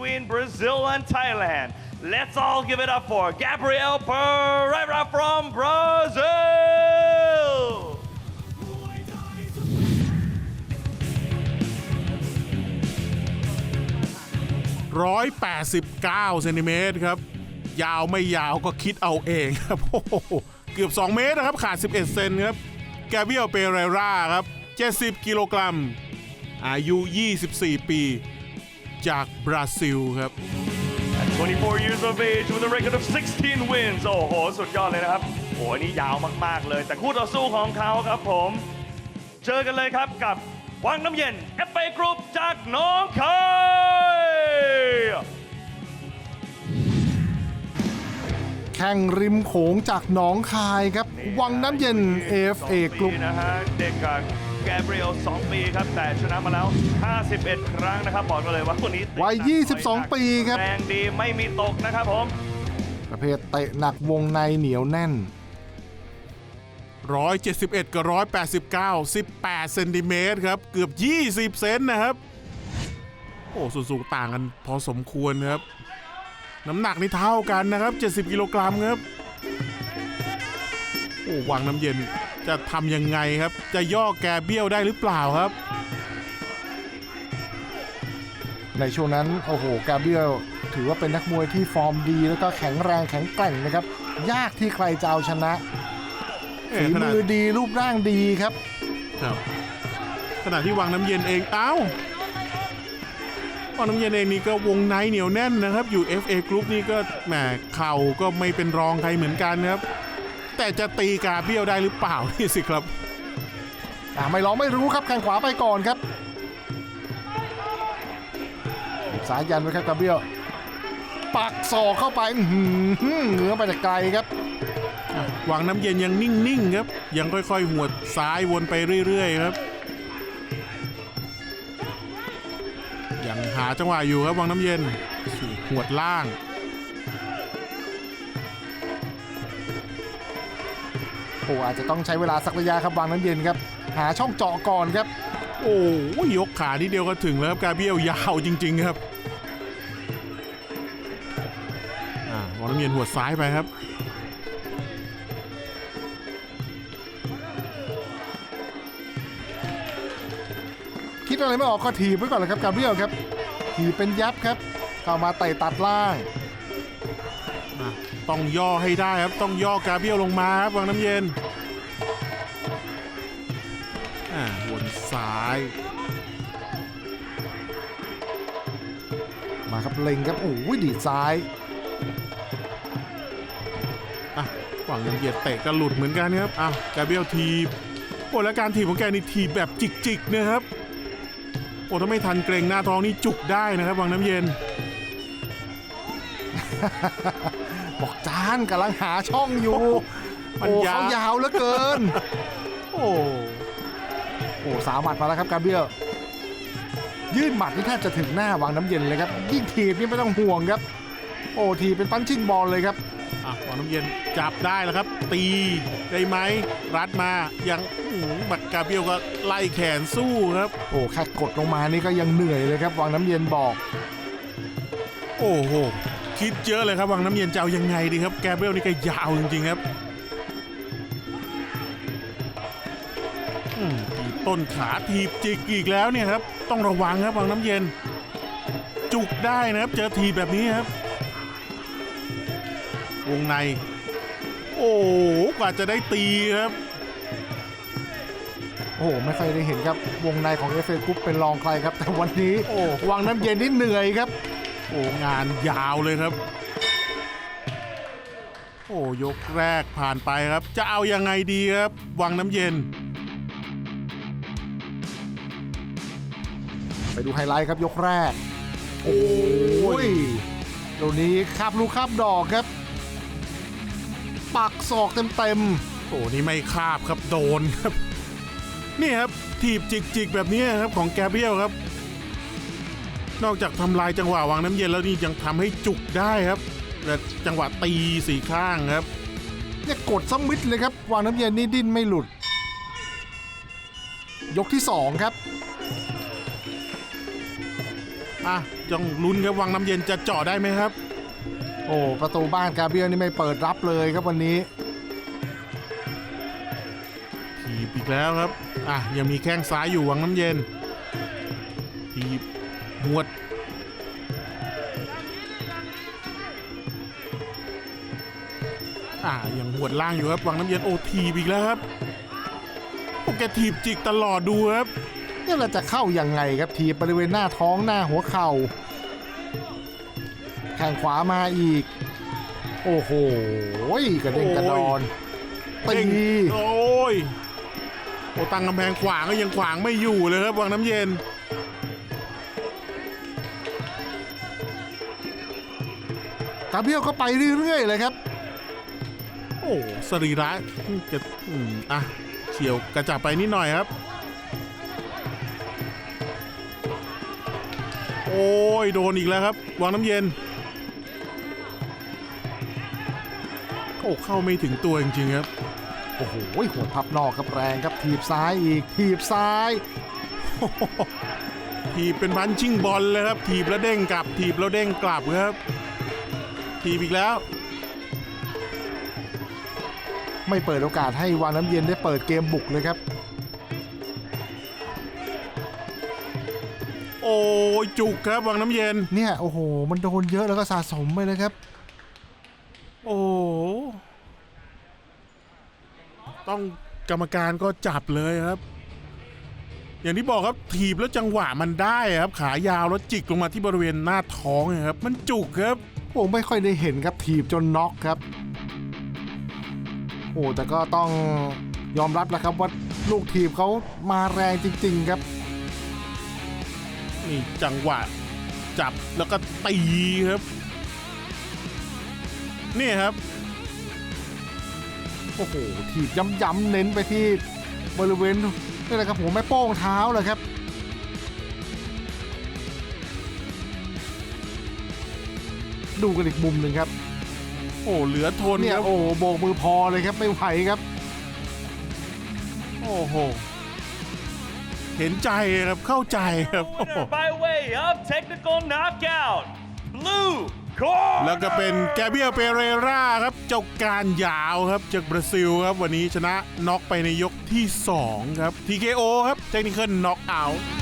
between Brazil and Thailand. Let's all give it up for Gabriel Pereira from Brazil. 189 เซนติเมตรครับยาวไม่ยาวก็คิดเอาเองครับโอ้โหเกือบ2 เมตรนะครับขาด11 เซนครับแกเบียลเปเรราครับ70 กิโลกรัมอายุ 24 ปีจากบราซิลครับ At 24 years of age with a record of 16 wins โอ้โหสุดยอดเลยนะครับโอ้นี่ยาวมากๆเลยแต่คู่ต่อสู้ของเขาครับผมเจอกันเลยครับกับวังน้ำเย็น FA Group จากหนองคายแข่งริมโขงจากหนองคายครับวังน้ำเย็น FA Group นะฮะเด็กกับแกเบรียล2 ปีครับแต่ชนะมาแล้ว51 ครั้งนะครับบอกกันเลยว่าคนนี้วัย22 ปีครับแรงดีไม่มีตกนะครับผมประเภทเตะหนักวงในเหนียวแน่น 171 กับ 189 18 เซนติเมตรครับเกือบ20 เซนนะครับโอ้ส่วนสูงต่างกันพอสมควรครับน้ำหนักนี่เท่ากันนะครับ70 กิโลกรัมครับโอ้วังน้ำเย็นจะทำยังไงครับจะย่อแกเบี้ยวได้หรือเปล่าครับในช่วงนั้นโอ้โหกาเบรียลถือว่าเป็นนักมวยที่ฟอร์มดีแล้วก็แข็งแรงแข็งแกร่งนะครับยากที่ใครจะเอาชนะฝีมือดีรูปร่างดีครับขณะที่วังน้ำเย็นเองวังน้ำเย็นเองนี่ก็วงในเหนียวแน่นนะครับอยู่ FA Group นี่ก็แหมเข่าก็ไม่เป็นรองใครเหมือนกันครับแต่จะตีกาเบี้ยวได้หรือเปล่านี่สิครับไม่ลองไม่รู้ครับแข้งขวาไปก่อนครับสายยันไว้ครับกาเบี้ยวปักศอกเข้าไปเหนือไปแต่ไกลครับวังน้ำเย็นยังนิ่งๆครับยังค่อยๆหวดซ้ายวนไปเรื่อยๆครับยังหาจังหวะอยู่ครับวังน้ำเย็นหวดล่างโอ้อาจจะต้องใช้เวลาสักระยะครับวังน้ำเย็นครับหาช่องเจาะก่อนครับโอ้ยกขาทีเดียวก็ถึงแล้วครับกาเบี้ยวยาวจริงๆครับวังน้ำเย็นหวดซ้ายไปครับคิดอะไรไม่ออกก็ถีบไว้ก่อนเลยครับกาเบรียลครับถีบเป็นยับครับเข้ามาเตะตัดล่างต้องย่อให้ได้ครับต้องย่อกาเบี้ยวลงมาครับวังน้ำเย็นวนซ้ายมาครับเล็งครับโอ้ยดีซ้ายวังน้ำเย็นเตะก็หลุดเหมือนกันครับกาเบี้ยวทีบโอ้แล้วการทีบของแกนี่ทีบแบบจิกๆนะครับโอ้ถ้าไม่ทันเกรงหน้าท้องนี่จุกได้นะครับวังน้ำเย็นบอกจานกำลังหาช่องอยู่โอ้เขายาวเหลือเกินโอ้สาหมัดมาแล้วครับกาเบรียลยื่นหมัดนี่แทบจะถึงหน้าวังน้ำเย็นเลยครับยิ่งถีบนี่ไม่ต้องห่วงครับโอ้ทีเป็นปั้นชิ่งบอลเลยครับวังน้ำเย็นจับได้แล้วครับตีได้ไหมรัดมายังบักกาเบียวก็ไล่แขนสู้ครับโอ้แค่กดลงมานี่ก็ยังเหนื่อยเลยครับวังน้ำเย็นบอกโอ้โหคิดเยอะเลยครับวังน้ำเย็นจะเอายังไงดีครับแกเบรียลนี่ก็ยาวจริงๆครับทีต้นขาทีบจิกอีกแล้วเนี่ยครับต้องระวังครับวังน้ำเย็นจุกได้นะครับเจอทีแบบนี้ครับวงในโอ้กว่าจะได้ตีครับโอ้ไม่เคยได้เห็นครับวงในของ FA Group เป็นรองใครครับแต่วันนี้วังน้ำเย็นนี่เหนื่อยครับโอ้งานยาวเลยครับโอ้ยกแรกผ่านไปครับจะเอายังไงดีครับวังน้ำเย็นไปดูไฮไลท์ครับยกแรกโอ้ยตรงนี้คาบลูกคาบดอกครับปักศอกเต็มโอ้นี่ไม่คาบครับโดนครับนี่ครับถีบจิกแบบนี้ครับของแกเบรียลครับนอกจากทำลายจังหวะวังน้ำเย็นแล้วนี่ยังทำให้จุกได้ครับและจังหวะตีสี่ข้างครับเนี่ยกดซ้ำมิดเลยครับวังน้ำเย็นนี่ดิ้นไม่หลุดยกที่2ครับอ่ะต้องลุ้นครับวังน้ำเย็นจะเจาะได้ไหมครับโอ้ประตูบ้านกาเบียลนี่ไม่เปิดรับเลยครับวันนี้ถีบอีกแล้วครับอ่ะยังมีแข้งซ้ายอยู่วังน้ำเย็นถีบหวดยังหวดล่างอยู่ครับวังน้ำเย็นโอ้ถีบอีกแล้วครับโอ้แกถีบจิกตลอดดูครับนี่เราจะเข้ายังไงครับทีบบริเวณหน้าท้องหน้าหัวเข่าแข้งขวามาอีกโอ้โหกระเด้งกระดอนตีโอ้ยโอ้ตั้งกำแพงขวางก็ยังขวางไม่อยู่เลยครับวังน้ำเย็นกาเบียลก็ไปเรื่อยๆเลยครับโอ้สรีระจะเฉียวกระจับไปนิดหน่อยครับโอ้ยโดนอีกแล้วครับวังน้ำเย็นโอ้เข้าไม่ถึงตัวจริงๆครับโอ้โหหัวพับนอกครับแรงครับถีบซ้ายอีกถีบซ้ายถีบเป็นพันชิงบอลเลยครับถีบแล้วเด้งกลับถีบแล้วเด้งกลับครับถีบอีกแล้วไม่เปิดโอกาสให้วังน้ำเย็นได้เปิดเกมบุกเลยครับโอ้ยจุกครับวังน้ำเย็นเนี่ยโอ้โหมันโดนเยอะแล้วก็สะสมไปเลยครับโอ้ต้องกรรมการก็จับเลยครับอย่างที่บอกครับถีบแล้วจังหวะมันได้ครับขายาวแล้วจิกลงมาที่บริเวณหน้าท้องครับมันจุกครับผมไม่ค่อยได้เห็นครับถีบจนน็อกครับโอ้แต่ก็ต้องยอมรับแล้วครับว่าลูกถีบเขามาแรงจริงๆครับนี่จังหวะจับแล้วก็ตีครับนี่ครับโอ้โหถีบย้ำๆเน้นไปที่บริเวณนี่แหละครับผมแม่โป้งเท้าเลยครับดูกันอีกมุมหนึ่งครับโอ้เหลือทนเนี่ยโอ้โบกมือพอเลยครับไม่ไหวครับโอ้โหเห็นใจครับเข้าใจครับ by way of technical knockout blue corner แล้วก็เป็นแกเบียลเปเรราครับเจ้าการยาวครับจากบราซิลครับวันนี้ชนะน็อกไปในยกที่2ครับ TKO ครับ Technical Knockout